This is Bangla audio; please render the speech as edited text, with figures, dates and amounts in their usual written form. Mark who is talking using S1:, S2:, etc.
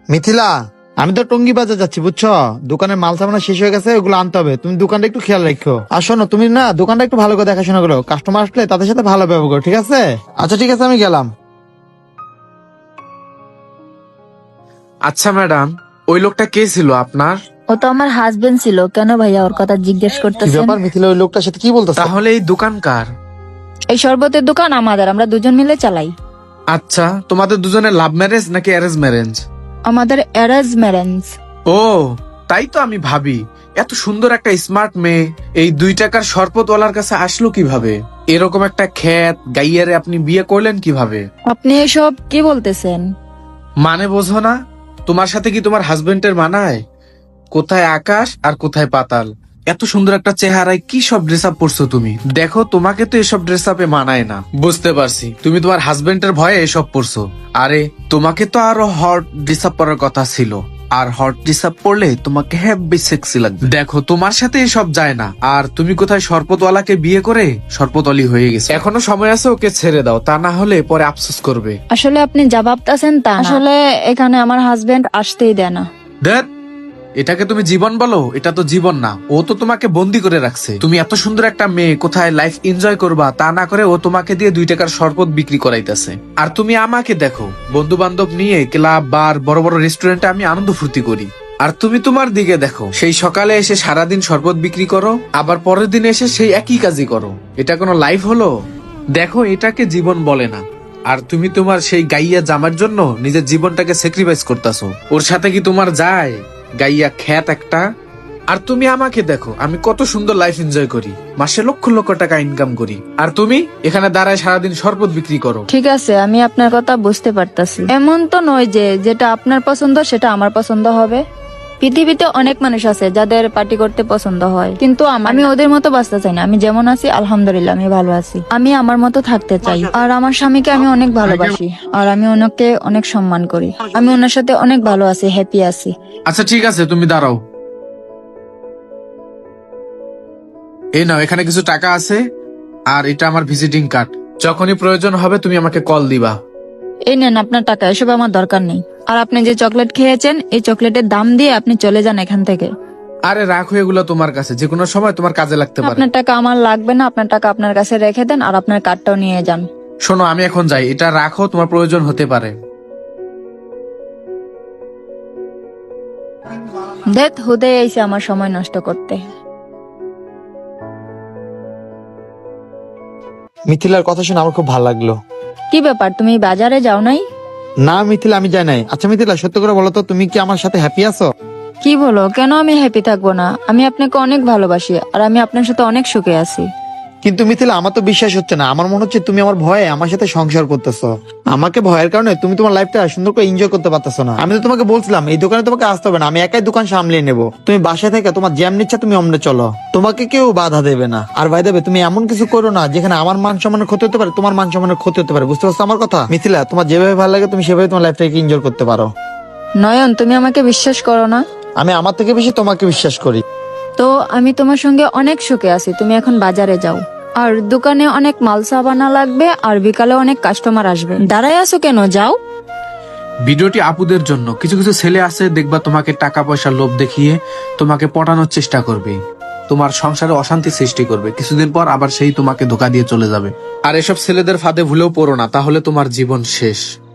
S1: মিথিলা, আমি তো টঙ্গি বাজার যাচ্ছি বুঝছো, দোকানের মাল সামানা শেষ হয়ে গেছে, ওগুলো আনতে হবে। তুমি দোকানটা একটু খেয়াল রাখো। আর শোনো, তুমি না দোকানটা একটু ভালো করে দেখাশোনা করো, কাস্টমার আসলে তাদের সাথে ভালো ব্যবহার করো, ঠিক আছে? আচ্ছা ঠিক আছে, আমি গেলাম।
S2: আচ্ছা ম্যাডাম, ওই লোকটা কে ছিল আপনার?
S3: ও তো আমার হাজবেন্ড ছিল। কেন ভাইয়া ওর কথা জিজ্ঞেস
S1: কি
S3: করতেছেন?
S1: ব্যাপার মিথিলা, ওই লোকটার সাথে কি বলতেছ?
S2: তাহলে এই দোকান কার?
S3: এই শরবতের দোকান আমাদের, আমরা দুজন মিলে চালাই।
S2: আচ্ছা, তোমাদের দুজনের লাভ ম্যারেজ নাকি অ্যারেঞ্জ ম্যারেজ?
S3: আমাদের অ্যারেঞ্জ ম্যারেঞ্জ।
S2: ও, তাই তো আমি ভাবি এত সুন্দর একটা স্মার্ট মেয়ে এই 2 টাকার শরবতওয়ালার কাছে আসলো কিভাবে? এরকম একটা খ্যাত গাইয়ারে আপনি বিয়ে করলেন কিভাবে?
S3: আপনি এসব কি বলতেছেন?
S2: মানে বোঝো না? তোমার সাথে কি তোমার হাজবেন্ডের মানায়? কোথায় আকাশ আর কোথায় পাতাল। এত সুন্দর একটা চেহারায় কি সব ড্রেস আপ পরছো তুমি? দেখো, তোমাকে তো এসব ড্রেস আপে মানায় না। বুঝতে পারছি, তুমি তোমার হাজবেন্ডের ভয়ে এসব পরছো। আরে, তোমাকে তো আরো হট ড্রেস আপ পরার কথা ছিল। আর হট ড্রেস আপ পরলে তোমাকে হেভি সেক্সি লাগবে। দেখো, তোমার সাথে এসব যায় না। আর তুমি কোথায় শরবতওয়ালাকে বিয়ে করে শরবতওয়ালি হয়ে গেছে। এখনো সময় আছে, ওকে ছেড়ে দাও, তা না হলে পরে আফসোস করবে।
S3: আসলে আপনি যা ভাবতেছেন তা না। আসলে এখানে আমার হাজবেন্ড আসতেই দেয় না।
S2: ধ্যাৎ, এটাকে তুমি জীবন বলো? এটা তো জীবন না, ও তো তোমাকে বন্দি করে রাখছে। তুমি এত সুন্দর একটা মেয়ে, কোথায় লাইফ এনজয় করবা তা না করে ও তোমাকে দিয়ে 2 টাকার শরবত বিক্রি করাইতেছে। আর তুমি আমাকে দেখো, বন্ধু বান্ধব নিয়ে ক্লাব, বার, বড় বড় রেস্টুরেন্টে আমি আনন্দ ফুর্তি করি। আর তুমি তোমার দিকে দেখো, সেই সকালে এসে সারাদিন শরবত বিক্রি করো, আবার পরের দিন এসে সেই একই কাজই করো। এটা কোনো লাইফ হলো? দেখো, এটাকে জীবন বলে না। আর তুমি তোমার সেই গাইয়া জামার জন্য নিজের জীবনটাকে স্যাক্রিফাইস করতেছো। ওর সাথে কি তোমার যায়? গাইয়া খ্যাত একটা। আর তুমি আমাকে দেখো, আমি কত সুন্দর লাইফ এনজয় করি, মাসে লক্ষ লক্ষ টাকা ইনকাম করি। আর তুমি এখানে দাঁড়ায় সারাদিন শরবত বিক্রি করো।
S3: ঠিক আছে, আমি আপনার কথা বুঝতে পারতাছি। এমন তো নয় যে যেটা আপনার পছন্দ সেটা আমার পছন্দ হবে। পৃথিবীতে অনেক মানুষ আছে যাদের পার্টি করতে পছন্দ হয়, কিন্তু আমি ওদের মতো বাঁচতে চাই না। আমি যেমন আছি আলহামদুলিল্লাহ, আমি ভালো আছি। আমি আমার মতো থাকতে চাই। আর আমার স্বামীকে আমি অনেক ভালোবাসি, আর আমি ওনাকে অনেক সম্মান করি। আমি ওনার সাথে অনেক ভালো আছি, হ্যাপি আছি।
S2: আচ্ছা ঠিক আছে, তুমি দাঁড়াও। এই নাও, এখানে কিছু টাকা আছে, আর এটা আমার ভিজিটিং কার্ড। যখনই প্রয়োজন হবে তুমি আমাকে কল দিবা।
S3: এই নেন আপনার টাকা, এসব আমার দরকার নেই। আর আপনি যে চকলেট খেয়েছেন, এই চকলেটের দাম দিয়ে আপনি চলে যান এখান থেকে।
S2: আরে রাখো, এগুলো তোমার কাছে যে কোনো সময় তোমার কাজে লাগতে পারে।
S3: আপনার টাকা আমার লাগবে না, আপনার টাকা আপনার কাছে রেখে দেন, আর আপনার কার্ডটাও নিয়ে যান।
S2: শোনো, আমি এখন যাই, এটা রাখো, তোমার প্রয়োজন হতে পারে।
S3: দেখ, হুদে এসে আমার সময় নষ্ট করতে।
S1: মিথিলার কথা শুনে আমার খুব ভালো লাগলো।
S3: কি ব্যাপার, তুমি বাজারে যাও নাই?
S1: না মিথিলা, আমি যাই নাই। আচ্ছা মিথিলা, সত্যি করে বলো তো, তুমি কি আমার সাথে হ্যাপি আছো?
S3: কি বলো, কেন আমি হ্যাপি থাকবো না? আমি আপনাকে অনেক ভালোবাসি, আর আমি আপনার সাথে অনেক সুখে আছি।
S1: কিন্তু মিথিলা, আমার তো বিশ্বাস হচ্ছে না। আমার মনে হচ্ছে তুমি আমার ভয়ে আমার সাথে সংসার করতেছো। আমাকে ভয়ের কারণে তুমি তোমার লাইফটা সুন্দর করে এনজয় করতে পারতেছো না। আমি তো তোমাকে বলছিলাম এই দোকানে তোমাকে আসতে হবে না, আমি একাই দোকান সামলিয়ে নেবো। তুমি বাসায় থেকে তোমার জ্যাম নিচ্ছে, তুমি অমনে চলো, তোমাকে কেউ বাধা দেবে না। আর ভাই দেবে, তুমি এমন কিছু করো না যেখানে আমার মান সম্মানের ক্ষতি হতে পারে, তোমার মান সম্মানের ক্ষতি হতে পারে। বুঝতে পারছো আমার কথা? মিথিলা, তোমার যেভাবে ভালো লাগে তুমি সেভাবে তোমার লাইফটাকে এনজয় করতে পারো।
S3: নয়ন, তুমি আমাকে বিশ্বাস করো না?
S1: আমি আমার থেকে বেশি তোমাকে বিশ্বাস করি।
S3: তো আমি তোমার সঙ্গে অনেক সুখে আছি। তুমি এখন বাজারে যাও, আর দোকানে অনেক মাল সাবানা লাগবে, আর বিকালে অনেক কাস্টমার আসবে। দাঁড়ায় আছো কেন, যাও।
S2: ভিডিওটি আপুদের জন্য। কিছু কিছু ছেলে আছে, দেখবা তোমাকে টাকা পয়সার লোভ দেখিয়ে তোমাকে পটানোর চেষ্টা করবে, তোমার সংসারে অশান্তি সৃষ্টি করবে। কিছুদিন পর আবার সেই তোমাকে ধোকা দিয়ে চলে যাবে। আর এসব ছেলেদের ফাঁদে ভুলেও পড়ো না, তাহলে তোমার জীবন শেষ।